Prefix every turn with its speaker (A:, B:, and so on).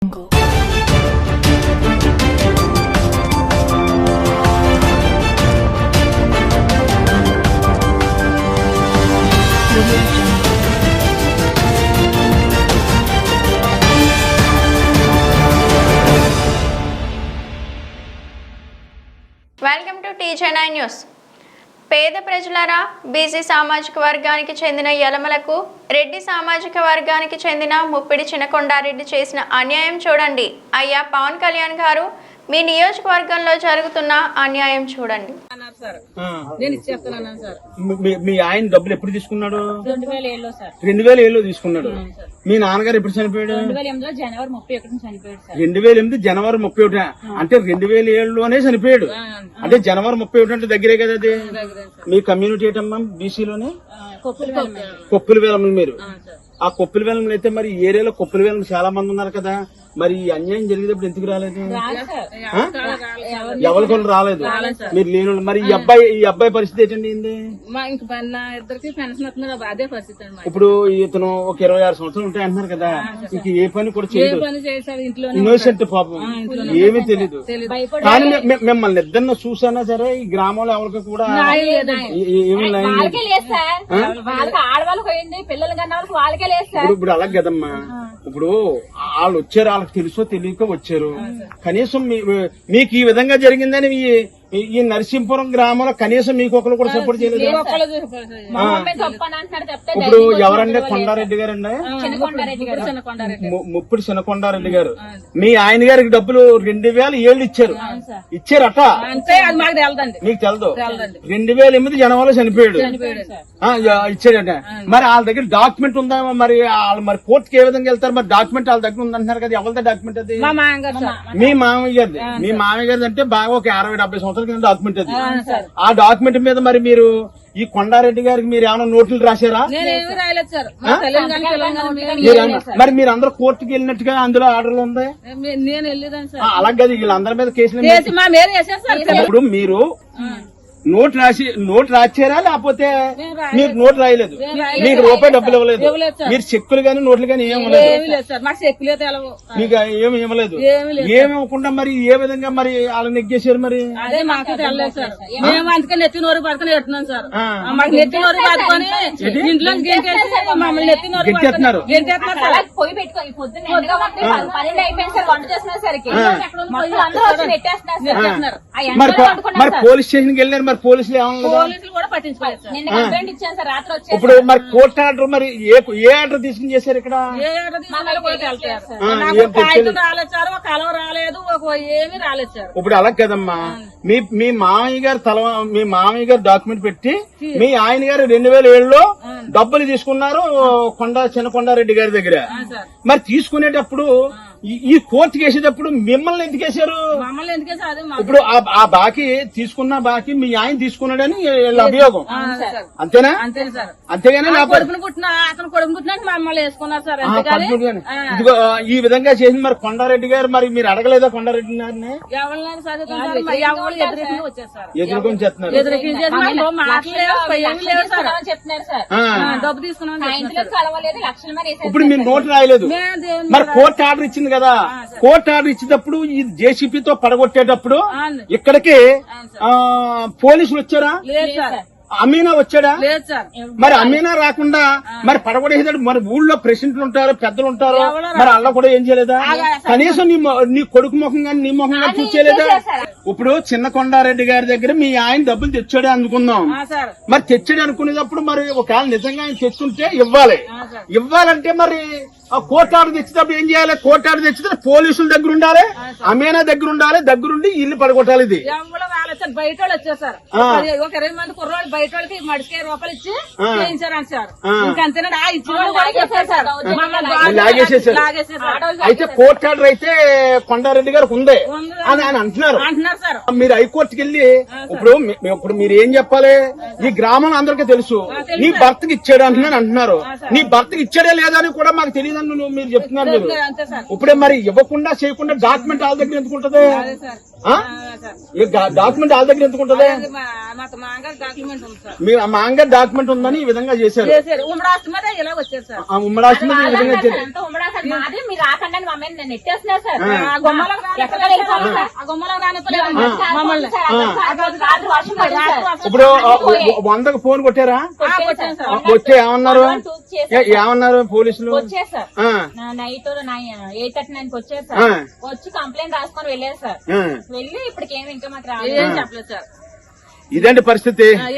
A: Welcome to TJ9 news. పేద ప్రజలారా, BC సామాజిక వర్గానికి చెందిన యలమలకు రెడ్డి సామాజిక వర్గానికి చెందిన ముప్పిడి చినకొండారెడ్డి చేసిన అన్యాయం చూడండి. అయ్యా పవన్ కళ్యాణ్ గారు, మీ నియోజకవర్గంలో జరుగుతున్న అన్యాయం చూడండి.
B: మీ ఆయన డబ్బులు ఎప్పుడు తీసుకున్నాడు? 2007లో తీసుకున్నాడు. మీ నాన్నగారు ఎప్పుడు చనిపోయాడు? 2008 జనవరి 31. అంటే 2007లోనే చనిపోయాడు. అంటే జనవరి 31 అంటే దగ్గరే కదా అది. మీ కమ్యూనిటీ ఏంటమ్మా? బీసీలోనే కొప్పుల వేలములు. మీరు ఆ కొప్పుల వేలంలో అయితే మరి ఏరియాలో కొప్పుల వేలం చాలా మంది ఉన్నారు కదా, మరి అన్యాయం జరిగేటప్పుడు ఎందుకు రాలేదు? ఎవరి కొన్ని రాలేదు, మీరు లేని. మరి ఈ అబ్బాయి పరిస్థితి ఏంటండి? ఇప్పుడు ఇతను ఒక 26 సంవత్సరాలు ఉంటాయి అంటున్నారు కదా, ఇంక ఏ పని కూడా చేయలేదు. ఇన్నోసెంట్ పాపం, ఏమీ తెలీదు. కానీ మిమ్మల్ని ఇద్దరిని చూసానా సరే ఈ గ్రామంలో ఎవరికి కూడా ఏమి ఇప్పుడు అలాగే కదమ్మా. ఇప్పుడు వాళ్ళు వచ్చారు, వాళ్ళకి తెలుసో తెలియక వచ్చారు. కనీసం మీకు ఈ విధంగా జరిగిందని ఈ నరసింపురం గ్రామంలో కనీసం మీకు ఒకరు కూడా సపోర్ట్ చేయలేదు. ఇప్పుడు ఎవరండి? కొండారెడ్డి గారు అండి, ముప్పిడి చినకొండారెడ్డి గారు. మీ ఆయన గారికి డబ్బులు 2007 ఇచ్చారట. మీకు తెలదు. 2008 జనవరిలో చనిపోయాడు, ఇచ్చాడట. మరి వాళ్ళ దగ్గర డాక్యుమెంట్ ఉందా? మరి వాళ్ళు మరి కోర్టుకి ఏ విధంగా వెళ్తారు? మరి డాక్యుమెంట్ వాళ్ళ దగ్గర ఉందంటున్నారు కదా, ఎవరిదా డాక్యుమెంట్ అది? మీ మామయ్య గారిది. మీ మామయ్య గారిది అంటే బాగా ఒక 60-70 సంవత్సరాల కింద డాక్యుమెంట్ అది. ఆ డాక్యుమెంట్ మీద మరి మీరు ఈ కొండారెడ్డి గారికి మీరు ఏమైనా నోట్లు రాశారా? మరి మీరు అందరూ కోర్టుకి వెళ్ళినట్టుగా అందులో ఆర్డర్లు ఉంది. అలాగే వీళ్ళందరి మీద కేసులు. ఇప్పుడు మీరు నోట్ రాశారా? లేకపోతే మీరు నోట్ రాయలేదు, మీకు రూపాయి డబ్బులు ఇవ్వలేదు, మీరు చెక్కులు గానీ నోట్లు గానీ ఏమి మీకు ఏమి ఇవ్వలేదు. ఏమి ఇవ్వకుండా మరి ఏ విధంగా మరి వాళ్ళు నెగ్గేశారు? మరి మరి పోలీస్ స్టేషన్కి వెళ్ళారు, మరి పోలీసులు
C: కూడా పట్టించుకోలేదు.
B: ఇప్పుడు మరి కోర్టు ఆర్డర్, మరి ఏ ఆర్డర్ తీసుకుని చేశారు ఇక్కడ? ఇప్పుడు అలా కదమ్మా. మీ మామయ్య గారు డాక్యుమెంట్ పెట్టి మీ ఆయన గారు 2007లో డబ్బులు తీసుకున్నారు చినకొండారెడ్డి గారి దగ్గర. మరి తీసుకునేటప్పుడు ఈ కోర్టుకి వేసేటప్పుడు మిమ్మల్ని ఎందుకు వేశారు? ఇప్పుడు ఆ బాకీ తీసుకున్న బాకీ మీ ఆయన తీసుకున్నాడని అభియోగం, అంతేనా? అంతేగాని ఇదిగో ఈ విధంగా చేసింది మరి కొండారెడ్డి గారు. మరి మీరు అడగలేదా కొండారెడ్డి గారిని? ఎదుర్కొని చెప్తున్నారు. ఇప్పుడు మీరు నోటు రాయలేదు, మరి కోర్టు ఆర్డర్ ఇచ్చింది కదా. కోర్టు ఆర్డర్ ఇచ్చేటప్పుడు ఈ జేసీపీతో పడగొట్టేటప్పుడు ఇక్కడికి పోలీసులు వచ్చారా? అమీనా వచ్చాడా? మరి అమీనా రాకుండా మరి పడగొడేసాడు. మరి ఊళ్ళో ప్రెసిడెంట్లు ఉంటారు, పెద్దలు ఉంటారు, మరి అలా కూడా ఏం చేయలేదా? కనీసం నీ కొడుకు ముఖం కానీ నీ ముఖం కానీ చూసేలేదా? ఇప్పుడు చినకొండారెడ్డి గారి దగ్గర మీ ఆయన డబ్బులు తెచ్చాడే అనుకుందాం. మరి తెచ్చాడు అనుకునేటప్పుడు మరి ఒకవేళ నిజంగా ఆయన తెచ్చుంటే ఇవ్వాలంటే మరి ఆ కోర్టు ఆర్డర్ తెచ్చేటప్పుడు ఏం చేయాలి? కోర్టు ఆర్డర్ తెచ్చితే పోలీసుల దగ్గర ఉండాలి, అమీనా దగ్గర ఉండాలి, దగ్గరుండి ఇల్లు పడగొట్టాలి. ఇది
C: బయట వాళ్ళు వచ్చేసారు, ఒక 20 మంది కుర్రోళ్ళు బయట వాళ్ళకి మడికే రూపాయలు ఇచ్చి చేయించారంట సార్. ఇంకంతేనా
B: అయితే కోర్టు ఆర్డర్ అయితే కొండారెడ్డి గారికి ఉంది అని ఆయన అంటున్నారు
C: సార్.
B: మీరు హైకోర్టుకి వెళ్ళి ఇప్పుడు మీరు ఏం చెప్పాలి? ఈ గ్రామం అందరికీ తెలుసు, నీ భర్తకి ఇచ్చాడు అంటున్నారు. నీ భర్తకి ఇచ్చాడే లేదా అని కూడా మాకు తెలియదని మీరు చెప్తున్నారు. ఇప్పుడే మరి ఇవ్వకుండా చేయకుండా డాక్యుమెంట్ వాళ్ళ దగ్గర ఎందుకుంటది? డాక్యుమెంట్ వాళ్ళ దగ్గర ఎందుకు ఉంటది?
C: మా అంగడి డాక్యుమెంట్ ఉంది సార్.
B: మీ మా అంగడి డాక్యుమెంట్ ఉందని ఈ విధంగా చేశారు.
C: ఉమ్మడి ఆస్తి మీద ఇలా వచ్చారు సార్.
B: ఆ ఉమ్మడి ఆస్తి మీద ఈ విధంగా చేశారు.
D: మాది మీరు రాకండి మా మీద నేను నెట్టేస్తున్నా సార్.
C: ఆ గుమ్మలకు రానిపోలేదు మమ్మల్ని.
B: ఇప్పుడు 100కు ఫోన్ కొట్టారా? వచ్చే ఏమన్నారు? ఏమన్నారు పోలీసులు?
D: వచ్చారు సార్. నైట్ 8:39 వచ్చారు సార్. వచ్చి కంప్లైంట్ రాసుకొని వెళ్ళారు సార్. వెళ్ళి ఇప్పటికేమి ఇంకా మాకు రాలేదు
C: చెప్పలేదు సార్.
B: ఇదేంటి పరిస్థితి?